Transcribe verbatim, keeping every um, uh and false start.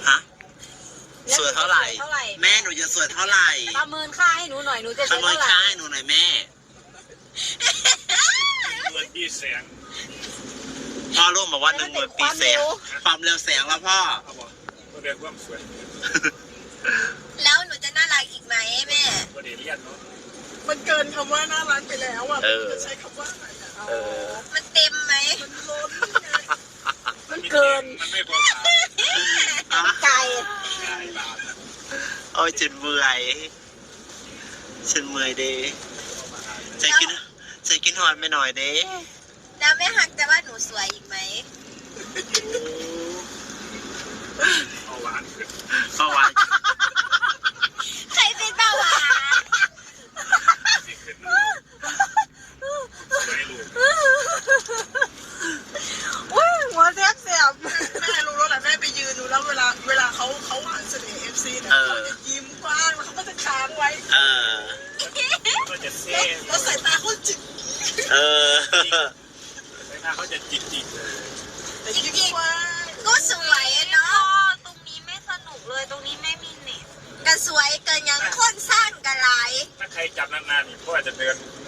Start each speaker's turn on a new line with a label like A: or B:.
A: ฮะสวยเท่าไหร่แม่หนูจะสวยเท่าไหร่
B: ประเมินค่าให้หนูหน่อยหนูจะส
A: ประ
B: วย
A: เมิน
B: เท่าไหร่
A: ค่าให้หนูหน่อยแม่
C: เงินที่แสง
A: พ่อรู้มาว่าหนึ่งหมื่นปีแสงความเร็วแสงแล้วพ่อ
C: เขาบอกก็เรียกว่าสวย
D: แล้วหนูจะน่ารักอีกไหมแม่
C: ก็เดียเรียนเนาะ
E: มันเกินคำว่าน่ารักไปแล้วอ่ะจะใช้คำว่าอะไรอ่ะ
A: เออ
D: มันเต็มไหม
E: มันล้นไง
B: มันเกิน
C: มันไม่พอขาย
B: ไก่
C: ขายบาท
A: โอ้ยฉันเมื่อยฉันเมื่อยเด้ใจกินใจกินหอนไปหน่อยเด้
D: แล้วแม่หักจะว่าหนูสวยอีกไหม
C: เอาหวานขึ้น
A: เมื่อวาน
D: ใครเป็นเบาหวาน
C: สิขึ้นสวยลูก
B: อุ้ยหัวแทบเสียบ
E: แม่รู้แล้วแหละแม่ไปยืนดูแล้วเวลาเวลาเขาเขาหวานเสน่ห์เอฟซีเนี่ยเขาจะยิ้มกว้างแล้วเขาก็จะค้างไว้
A: เออ
C: ก็จะเซ่
E: แล้วสายตาเขาจิก
A: เออ
C: ใบหน้าเขาจะจิกจิกเลย
E: แต่ยิ้มกว้าง
D: ก็สวยอะเนาะ
B: ตรงนี้ไม่สนุกเลยตรงนี้ไม่มีเน็ต
D: ก็สวยเกินยังคนสร้างกันหลาย
C: ถ้าใครจับนานๆนี่เขาอาจจะเดิน